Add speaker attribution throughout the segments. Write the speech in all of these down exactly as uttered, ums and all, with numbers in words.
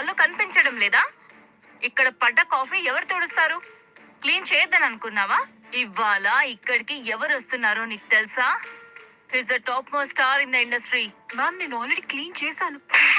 Speaker 1: కళ్ళు కనిపించడం లేదా? ఇక్కడ పడ్డ కాఫీ ఎవరు తుడుస్తారు? క్లీన్ చేయొద్దని అనుకున్నావా? ఇవాళ ఇక్కడికి ఎవరు వస్తున్నారో నీకు తెలుసా? He's the top most star in the industry.
Speaker 2: Ma'am నేను ఆల్రెడీ క్లీన్ చేశాను.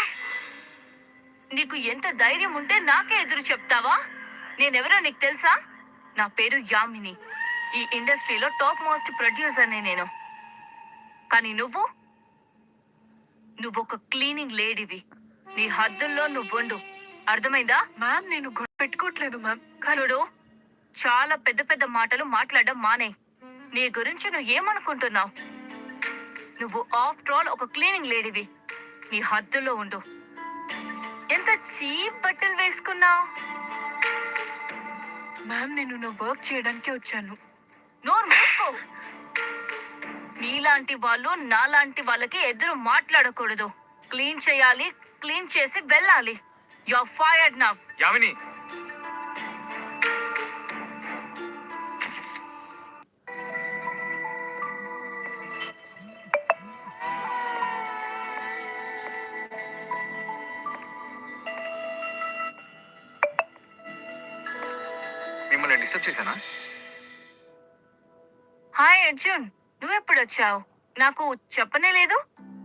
Speaker 1: నీకు ఎంత ధైర్యం ఉంటే నాకే ఎదురు చెప్తావా? నేనెవరో నీకు తెలుసా? నా పేరు యామిని. ఈ ఇండస్ట్రీలో టాప్ మోస్ట్ ప్రొడ్యూసర్ని నేను. కానీ నువ్వు నువ్వొక క్లీనింగ్ లేడీవి. నీ హద్దుల్లో నువ్వుండు, అర్థమైందా?
Speaker 2: మ్యామ్ నేను గొడవ పెట్టుకోవట్లేదు మ్యామ్.
Speaker 1: చూడు, చాలా పెద్ద పెద్ద మాటలు మాట్లాడడం మానే. నీ గురించి నువ్వు ఏమనుకుంటున్నావు? నువ్వు ఆఫ్టర్ ఆల్ ఒక క్లీనింగ్ లేడీవి. నీ హద్దుల్లో ఉండు. ఎంత చీప్ బట్టలు వేసుకున్నావు.
Speaker 2: మ్యామ్ నేను నా వర్క్ చేయడానికి వచ్చాను.
Speaker 1: నోరు మూసుకో. నీలాంటి వాళ్ళు నాలాంటి వాళ్ళకి ఎదురు మాట్లాడకూడదు. క్లీన్ చేయాలి, క్లీన్ చేసి వెళ్ళాలి. You are fired now.
Speaker 3: Yamini, మిమ్మల్ని డిస్టర్బ్ చేశానా?
Speaker 1: హాయ్ అర్జున్, నువ్వెప్పుడు వచ్చావు? నాకు చెప్పనే లేదు.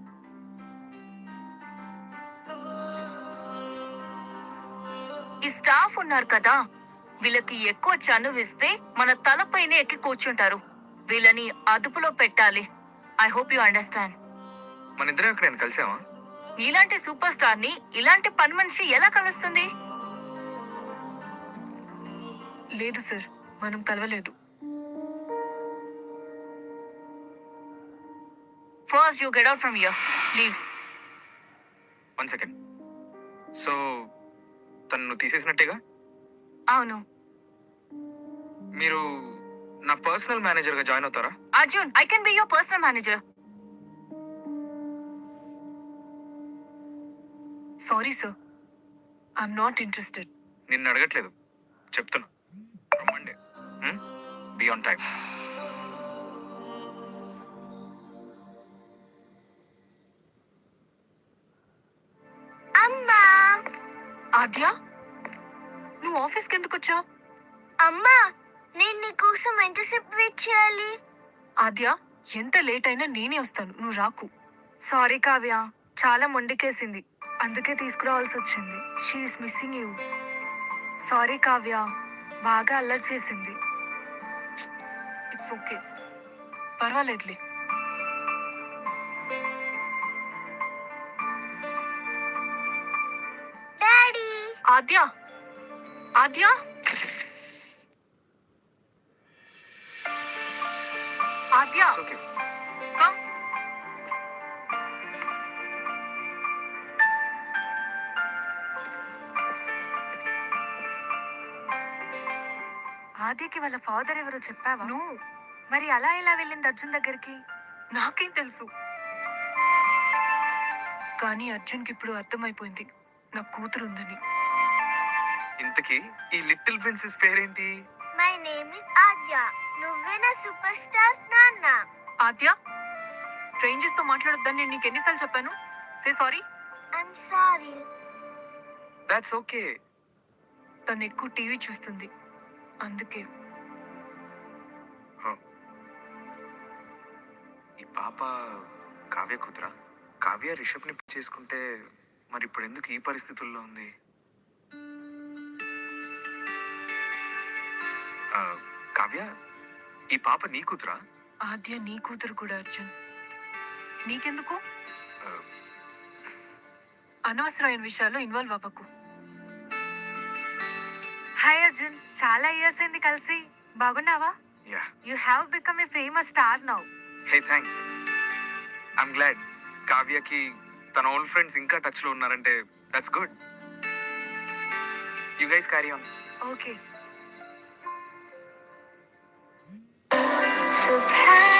Speaker 1: ఈ స్టాఫ్ ఉన్నారు కదా, వీళ్ళకి ఎక్కువ చనువిస్తే మన తలపైనే ఎక్కి కూర్చుంటారు. వీళ్ళని అదుపులో పెట్టాలి. I hope you understand.
Speaker 3: మన ఇద్దరం ఇక్కడ నేను కలిసామా?
Speaker 1: నీలాంటి సూపర్ స్టార్ ని ఇలాంటి పని మనిషి ఎలా కలుస్తుంది?
Speaker 2: లేదు సార్, మనం కలవలేదు.
Speaker 1: First you get out from here. Leave.
Speaker 3: One second. So తను తీసేసినట్టేగా?
Speaker 1: అవును.
Speaker 3: మీరు నా పర్సనల్ మేనేజర్ గా జాయిన్ అవుతారా?
Speaker 1: Arjun, I can be your personal manager.
Speaker 2: Sorry sir, I'm not interested.
Speaker 3: నిన్ను అడగట్లేదు, చెప్తున్నా. From Monday be on time.
Speaker 4: అమ్మా,
Speaker 2: ఆద్య, నువ్వు ఆఫీస్కి ఎందుకు వచ్చావు?
Speaker 4: అమ్మా, నేను నీ కోసం ఎంతసేపు వెయిట్ చేయాలి?
Speaker 2: ఆద్య, ఎంత లేట్ అయినా నేనే వస్తాను, నువ్వు రాకు.
Speaker 5: సారీ కావ్య, చాలా మొండికేసింది, అందుకే తీసుకురావాల్సి వచ్చింది. She's missing you. Sorry Kavya, బాగా అల్లరి చేసింది.
Speaker 2: ఇట్స్ ఓకే, పర్వాలేదులే.
Speaker 4: Daddy,
Speaker 2: Aadya, Aadya, Aadya,
Speaker 3: It's okay.
Speaker 2: Come.
Speaker 5: ఆద్యకి వాళ్ళ ఫాదర్ ఎవరో చెప్పావా?
Speaker 2: నువ్వు
Speaker 5: మరి అలా ఎలా వెళ్ళింది అర్జున్ దగ్గరికి?
Speaker 2: నాకేం తెలుసు, కానీ అర్జున్కి ఇప్పుడు అర్థమైపోయింది నా కూతురు ఉందని.
Speaker 3: ఇంతకీ ఈ లిటిల్ ప్రిన్సెస్ పేరేంటి?
Speaker 4: My name is Aadya. నువ్వే నా సూపర్ స్టార్ నాన్న.
Speaker 2: ఆద్య, స్ట్రేంజర్స్ తో మాట్లాడొద్దని నేను నీకు ఎన్నిసార్లు చెప్పాను? Say sorry.
Speaker 4: I'm sorry.
Speaker 3: That's okay.
Speaker 2: తను ఎక్కువ టీవీ చూస్తుంది, అందుకే.
Speaker 3: ఈ పాప కావ్య కూతురా? కావ్య రిషబ్ని చేసుకుంటే మరి ఇప్పుడు ఎందుకు ఈ పరిస్థితుల్లో ఉంది? ఆ, కావ్య, ఈ పాప నీ కూతురా?
Speaker 2: ఆద్య నీ కూతురు కూడా అర్జున్. నీకెందుకు?
Speaker 3: ఆ,
Speaker 2: అనవసరమైన విషయాల్లో ఇన్వాల్వ్ అవ్వకు.
Speaker 5: హాయ్ అర్జున్, చాలా ఇయర్స్ అయింది కలిసి. బాగున్నావా?
Speaker 3: Yeah.
Speaker 5: You have become a famous star now.
Speaker 3: Hey, thanks. I'm glad కావ్యకి తన ఓల్డ్ ఫ్రెండ్స్ ఇంకా టచ్ లో ఉన్నారంటే that's good. You guys carry on.
Speaker 5: Okay.
Speaker 4: Surprise.